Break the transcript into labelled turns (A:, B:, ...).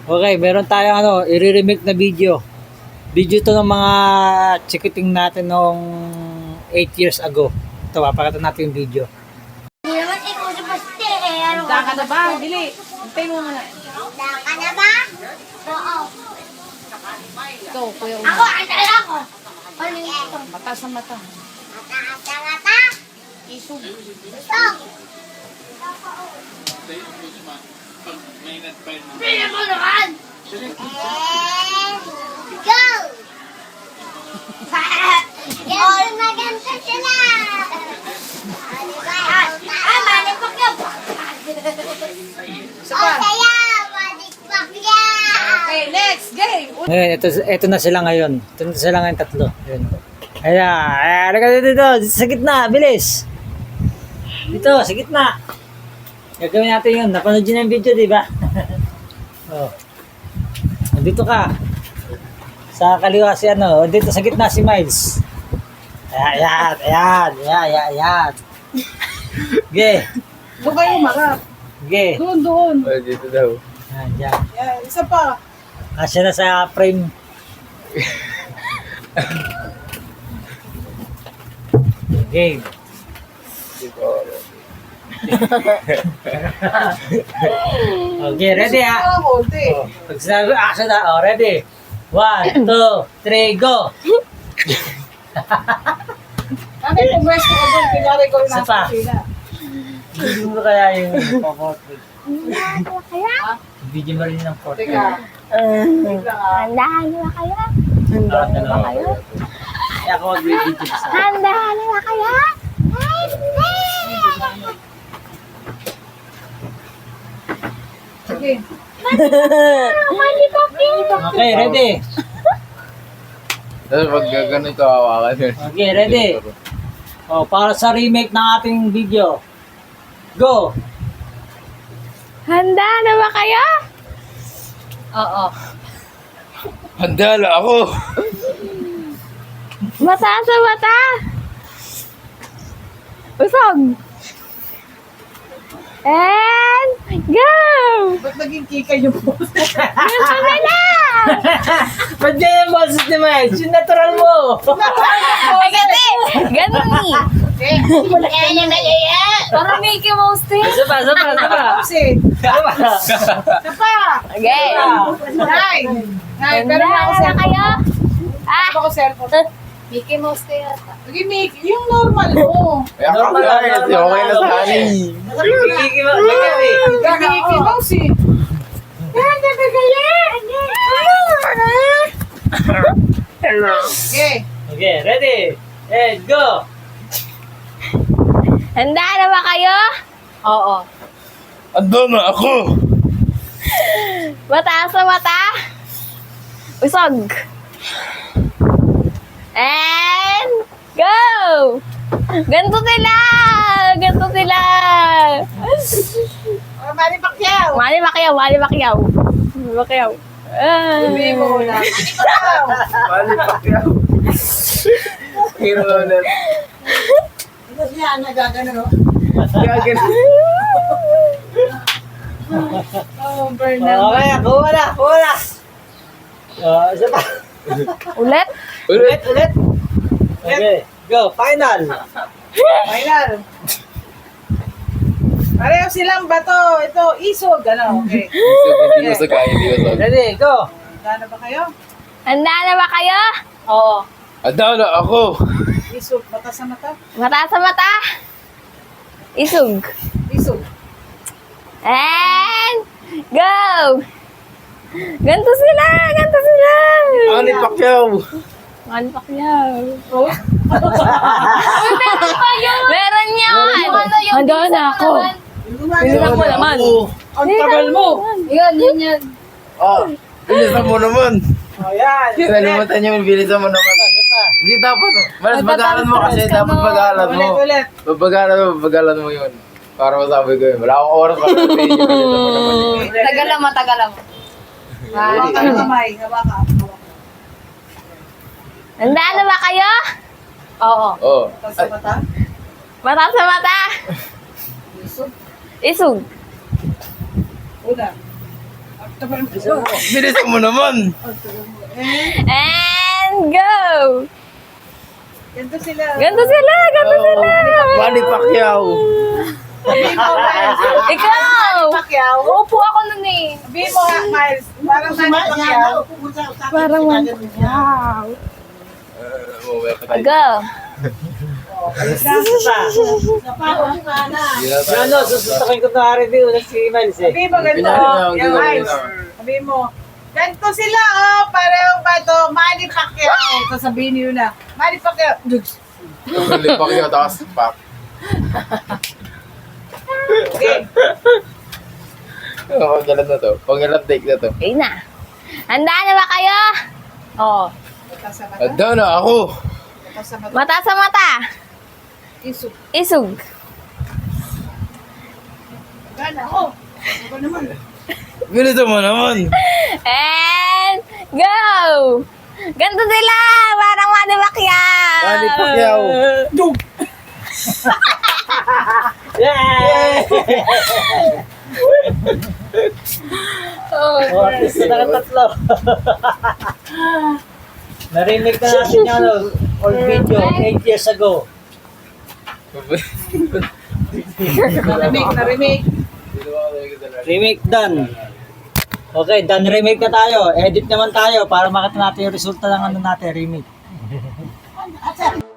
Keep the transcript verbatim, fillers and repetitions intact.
A: Okay, meron tayong ano, i-remake na video. Video to ng mga chikiting natin nung eight years ago. Ito, papakita natin yung video.
B: Hindi naman ikaw sa paste eh. Ano
C: Handa ka na ba? Dili. Hintay mo muna.
B: Handa ka na ba? Oo.
C: Ikaw, kuya
B: Ako,
C: una.
B: andala ako. Ano yung ito?
C: Mata sa mata.
B: Mata-mata-mata.
C: Isog.
B: Ito. Pili mo naman. And go! Oh, maganda sila. Ah, manipak yan.
C: Isa
B: Oh,
C: pa.
B: saya. Manipak yan.
C: Okay, next game.
A: Ngayon, ito, ito na sila ngayon. Ito na sila ngayon tatlo. Ayan. Ayan, ayan, halika dito, dito, dito sa gitna, bilis. Dito, sa gitna. Gagawin natin yun. Napanood yun ang video, di ba? Oh. Dito ka. Sa kaliwa si ano, dito sa gitna si Miles. Ayan, ayan, ayan, ayan, ayan. Ge,
C: Doon kayo marap.
A: ge.
C: Doon, doon.
D: Oh, dito daw.
A: Ayan, dyan.
C: Yan, isa pa.
A: Kasya na sa frame. Game.
D: Dito.
A: Okay, ready ha?
C: Ah, konti.
A: Oh, pag sinabi action na, oh, ready? One, two, three, go!
C: Bakit kung pwesto ka doon, pinari ko yung
A: Isa
C: nasa
A: pa.
C: kusina.
A: Video mo kaya yung pang-portrait.
B: Kaya?
A: Video mo rin ng
C: Teka.
A: portrait.
C: Wait lang ah.
B: Handahan na kaya?
A: Handahan na kayo? Kaya ako mag-video sa...
B: Handahan na kaya?
C: Sige.
B: Manipak yan.
A: Okay, ready?
D: Tapos pag ganito hawakan yun.
A: Okay, ready? Oh, para sa remake ng ating video. Go!
B: Handa na ba kayo?
C: Oo.
D: Handa na ako!
B: Mata sa mata. Usog. And go!
C: Ba't naging kika yung post?
B: Ganito na lang!
A: Ba't yan yung boses ni Miles? Yung natural mo!
B: Ay, gati! Ganun ni!
C: Okay.
B: Kaya niya na yan! Parang Mickey Mouse din.
A: Isa pa, isa pa, isa pa.
C: Kasi,
A: Isa pa.
C: isa pa.
B: Okay.
C: Nay. Nay, pero
B: Handa
C: na ako
B: na
C: cellphone.
B: kayo? Ah!
C: Ako cellphone.
B: Mickey Mouse din yata.
C: Sige, Mick, yung normal mo.
D: Kaya ka pala kasi okay na sa akin eh.
A: Kiki mo, kiki.
C: Gagawin mouse eh.
B: Handa ba kayo?
C: Okay.
A: Okay, ready? And go!
B: Handa na ba kayo?
C: Oo.
D: Handa na ako!
B: Mata sa mata. Usog. And go! Ganto sila! Ganto sila!
C: Oh, Manny Pacquiao.
B: Mali Pacquiao, Mali Pacquiao. Mali Pacquiao. Ah.
C: Sabi mo na. Manny Pacquiao.
D: Mali pa kaya. Hero na.
C: Tapos niya, nagagano, no?
D: Gagano.
C: Oh, burn na.
A: Okay, kuha na, kuha na. Oh, isa pa.
B: Ulit?
A: Ulit, ulit. Okay, go, final.
C: Final. Pareho silang bato. Ito, isog. Ano, okay.
D: So, hindi ko sa kaya, hindi ko sa
A: Ready, go.
C: Handa na ba kayo?
B: Handa na ba kayo?
C: Oo.
D: Handa na ako!
C: Isog. Mata sa mata.
B: Mata sa mata. Isog.
C: Isog.
B: And go! Ganto sila! Ganto sila!
D: Mali Pacquiao!
B: Mali Pacquiao.
C: Oh.
B: Meron yan! Handa na ako. Bilisan mo naman.
C: Ang tagal mo.
B: Yan, yan, yan.
D: Ah, bilisan mo naman!
C: Oh, yan.
D: Kaya nalimutan niyo, bilisan mo naman. Hindi dapat. Malas bagalan mo kasi dapat bagalan mo.
C: Ulit, ulit.
D: Babagalan mo, babagalan mo yun. Para masabi ko yun. Wala akong oras para sabihin yung bilisan mo naman.
B: Tagalan mo, tagalan mo.
C: Hawak ka ng kamay. Hawak ka.
B: Handa na ba kayo? Oo.
D: Oo.
C: Mata sa mata.
B: Mata sa mata.
C: Isog.
B: Isog.
C: Una.
D: Bilisan mo naman.
B: And go!
C: Ganito sila.
B: Ganto sila, ganto sila.
D: Manny Pacquiao.
C: Sabihin mo, Miles.
B: Ikaw!
C: Pacquiao.
B: Upo ako nun eh.
C: Sabihin mo, ha, Miles. Parang Manny Pacquiao.
B: Parang man. Wow.
D: Uh,
B: Go!
A: Isa pa. Yung ano, susustakin ko na rin din si Miles eh.
C: Sabihin mo ganito.
D: Pinali na,
C: Yan,
D: ganito,
C: Miles.
D: ganito.
C: Sabihin mo, ganito sila, oh. Pareho ba ito? Manny Pacquiao. Sasabihin niyo na. Manny Pacquiao. Dugs.
D: Manny Pacquiao, tapos pak.
C: Okay.
D: Oh, panggalan na to. Panggalan take na to.
B: Okay na. Handa na ba kayo? Oh.
C: Mata sa mata.
D: Handa na ako.
C: Mata sa mata.
B: Mata sa mata.
C: Isog.
B: Isug.
C: Gana, oh. Ako naman.
D: Bilisan mo naman.
B: And go! Ganto sila! Parang Manny Pacquiao!
D: Manny Pacquiao.
A: Yay! Oh, at least na lang tatlo. Na-remake na natin yung ano, old video, eight years ago.
C: Na-remake, na-remake.
A: Remake done. Okay, done remake na tayo. Edit naman tayo para makita natin yung resulta ng ano natin, remake.